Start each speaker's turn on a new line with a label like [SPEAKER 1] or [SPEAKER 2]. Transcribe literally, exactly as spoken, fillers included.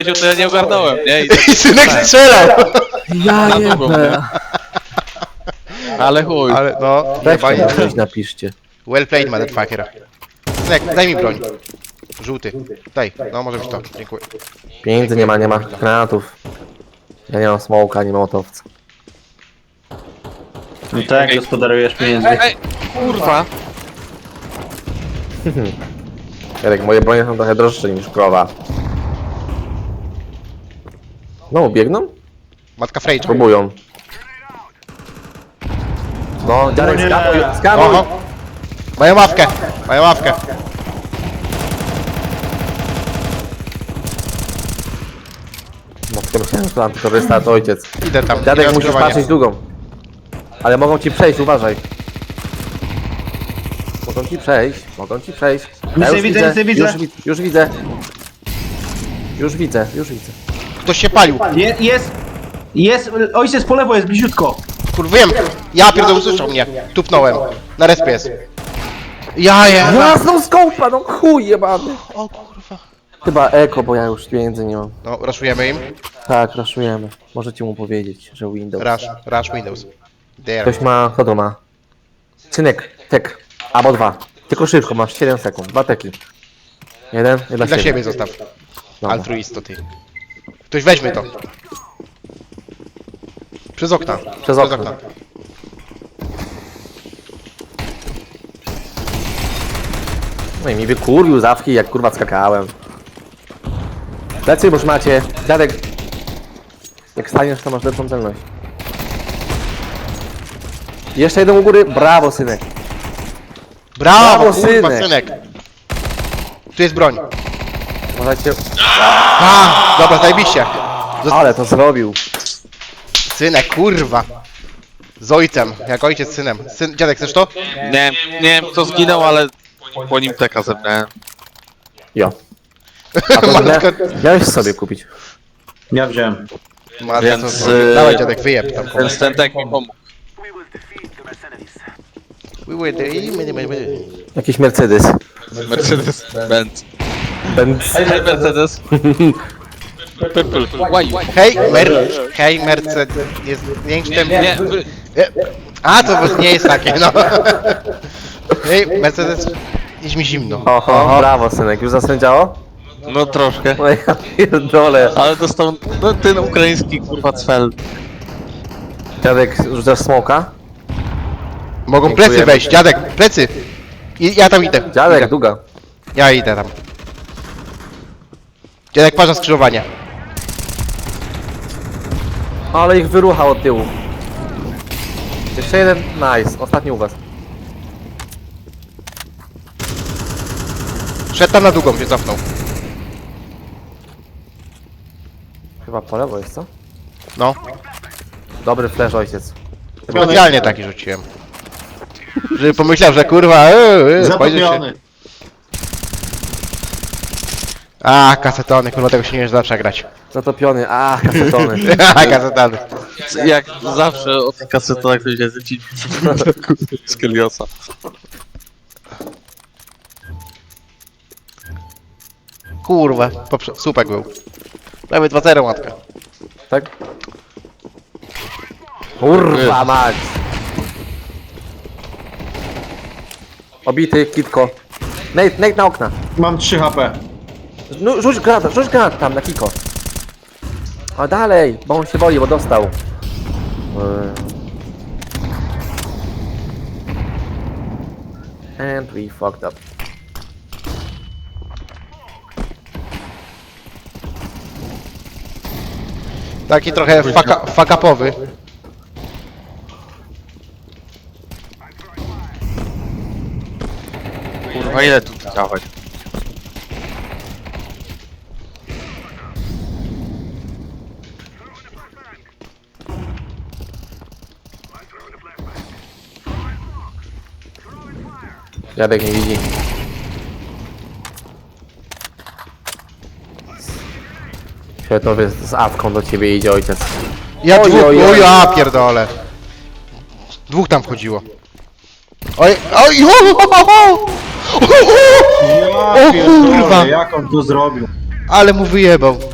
[SPEAKER 1] to ja nie ogarnąłem, nie? I
[SPEAKER 2] I synek strzelał!
[SPEAKER 3] Ja
[SPEAKER 1] Na długą,
[SPEAKER 3] jebę.
[SPEAKER 1] Ale chuj.
[SPEAKER 2] Ale no,
[SPEAKER 3] Weźcie
[SPEAKER 2] jebanie.
[SPEAKER 3] mi coś napiszcie.
[SPEAKER 2] Well played, motherfucker. Synek, daj mi broń. Żółty. Daj, no może być to. Dziękuję.
[SPEAKER 3] Pieniędzy nie ma, nie ma granatów. Ja nie mam smoka, nie mam motowca.
[SPEAKER 4] No tak, gospodarujesz pieniędzmi.
[SPEAKER 1] Ej, kurwa.
[SPEAKER 3] Jarek, moje bronie są trochę droższe niż krowa. No, biegną?
[SPEAKER 2] Matka Frejcz.
[SPEAKER 3] Próbują. No, Jarek,
[SPEAKER 4] nie.
[SPEAKER 3] skanuj, skanuj!
[SPEAKER 2] Oho. Mają ławkę, mają ławkę.
[SPEAKER 3] No, tylko myślałem, że tam tylko restart ojciec.
[SPEAKER 2] Idę tam.
[SPEAKER 3] Dziadek,
[SPEAKER 2] idę
[SPEAKER 3] musisz
[SPEAKER 2] skrzyżowanie.
[SPEAKER 3] patrzeć długą. Ale mogą ci przejść, uważaj. Mogą ci przejść, mogą ci przejść.
[SPEAKER 4] Nic nie widzę, nic nie widzę.
[SPEAKER 3] Już, wi- już widzę. Już widzę, już widzę.
[SPEAKER 2] Ktoś się palił.
[SPEAKER 4] Je, jest, jest, ojciec po lewo jest bliziutko.
[SPEAKER 2] Kurwa, wiem. Ja pierdolę, usłyszał mnie. Tupnąłem. Na respie jest. Ja je.
[SPEAKER 3] Jasną skołpa, no chuj jebany.
[SPEAKER 2] O kurwa.
[SPEAKER 3] Chyba eko, bo ja już pieniędzy nie mam.
[SPEAKER 2] No, raszujemy im.
[SPEAKER 3] Tak, raszujemy. Możecie mu powiedzieć, że Windows.
[SPEAKER 2] Rush, rush Windows. There.
[SPEAKER 3] Ktoś ma, kto to ma? Synek, tek. Albo dwa. Tylko szybko, masz siedem sekund. Dwa teki. Jeden, i dla,
[SPEAKER 2] Dla siebie zostaw.
[SPEAKER 3] Dobra.
[SPEAKER 2] Altruisto ty. Ktoś weźmie to. Przez okna.
[SPEAKER 3] Przez okno. No i mi wykurwił zawki, jak kurwa skakałem. Plecy już macie. Dziadek. Jak staniesz, to masz lepszą celność. Jeszcze jeden u góry. Brawo, synek.
[SPEAKER 2] Brawo,
[SPEAKER 3] Brawo,
[SPEAKER 2] kurwa,
[SPEAKER 3] synek.
[SPEAKER 2] synek. Tu jest broń.
[SPEAKER 3] Możecie...
[SPEAKER 2] A, dobra, zajebiście. Zost-
[SPEAKER 3] Ale to zrobił.
[SPEAKER 2] Synek, kurwa. Z ojcem, jak ojciec z synem. Syn, dziadek, chcesz to?
[SPEAKER 1] Nie wiem, nie wiem kto zginął, ale po nim teka zebrałem.
[SPEAKER 3] Jo. A to
[SPEAKER 2] Matka,
[SPEAKER 3] mia- miałeś sobie kupić.
[SPEAKER 4] Ja wziąłem.
[SPEAKER 2] matka,
[SPEAKER 1] Więc,
[SPEAKER 2] to,
[SPEAKER 1] y-
[SPEAKER 2] dawaj dziadek, wyjeb tam.
[SPEAKER 1] Ten stentek mi pomógł.
[SPEAKER 2] We were there, my- my- my- my-
[SPEAKER 3] Jakiś Mercedes.
[SPEAKER 1] Mercedes Benz.
[SPEAKER 3] Benz.
[SPEAKER 1] Hey, Mercedes. Purple. Why?
[SPEAKER 2] Hej, mer, hej, Mercedes, jest większym...
[SPEAKER 1] Nie,
[SPEAKER 2] A, to nie jest takie, no. Hej, Mercedes, jest mi zimno.
[SPEAKER 3] Oho, brawo, synek. Już zasędziało?
[SPEAKER 1] no troszkę.
[SPEAKER 3] No ja pierdolę.
[SPEAKER 1] Ale dostał no, ten ukraiński kurwa cfel.
[SPEAKER 3] Dziadek, rzucasz smoka?
[SPEAKER 2] Mogą
[SPEAKER 3] Dziękujemy.
[SPEAKER 2] plecy wejść, dziadek, plecy. I, ja tam idę.
[SPEAKER 3] Dziadek,
[SPEAKER 2] idę.
[SPEAKER 3] długa.
[SPEAKER 2] Ja idę tam. Dziadek, patrz na skrzyżowanie.
[SPEAKER 3] Ale ich wyruchał od tyłu. Jeszcze jeden, nice. Ostatni u was.
[SPEAKER 2] Szedł tam na długą, się cofnął.
[SPEAKER 3] Chyba po lewo jest, co?
[SPEAKER 2] No,
[SPEAKER 3] Dobry flash, ojciec.
[SPEAKER 2] specjalnie taki rzuciłem. Żeby pomyślał, że kurwa, eee, eee, spojrzy się.
[SPEAKER 4] Zatopiony.
[SPEAKER 2] A, kasetony, kurwa, tego się nie da przegrać.
[SPEAKER 3] Zatopiony, a kasetony.
[SPEAKER 2] A, kasetony.
[SPEAKER 1] Jak zawsze o tych kasetach ktoś jest ci z Keliosa.
[SPEAKER 2] Kurwa, poprze- słupek był. Prawie dwa zero, matka.
[SPEAKER 3] Tak? Kurwa mać! Obity, kitko. Nate, Nate na okna.
[SPEAKER 4] Mam trzy H P.
[SPEAKER 3] No, rzuć granat, rzuć granat tam na kiko. A dalej, bo on się boi, bo dostał. Eee. And we fucked up.
[SPEAKER 2] Taki trochę faka, fakapowy.
[SPEAKER 1] Kurwa ile tu dawać?
[SPEAKER 3] Dziadek nie widzi. Świetnowy z awką do ciebie idzie ojciec.
[SPEAKER 2] Ja
[SPEAKER 3] Oj,
[SPEAKER 2] dwóch,
[SPEAKER 3] oj, oj.
[SPEAKER 2] o ja pierdolę. Dwóch tam wchodziło. Oj, oj, o, o, o, o, o, o,
[SPEAKER 4] Ja
[SPEAKER 2] O
[SPEAKER 4] pierdolę,
[SPEAKER 2] kurwa!
[SPEAKER 4] jak on to zrobił?
[SPEAKER 2] ale mu wyjebał.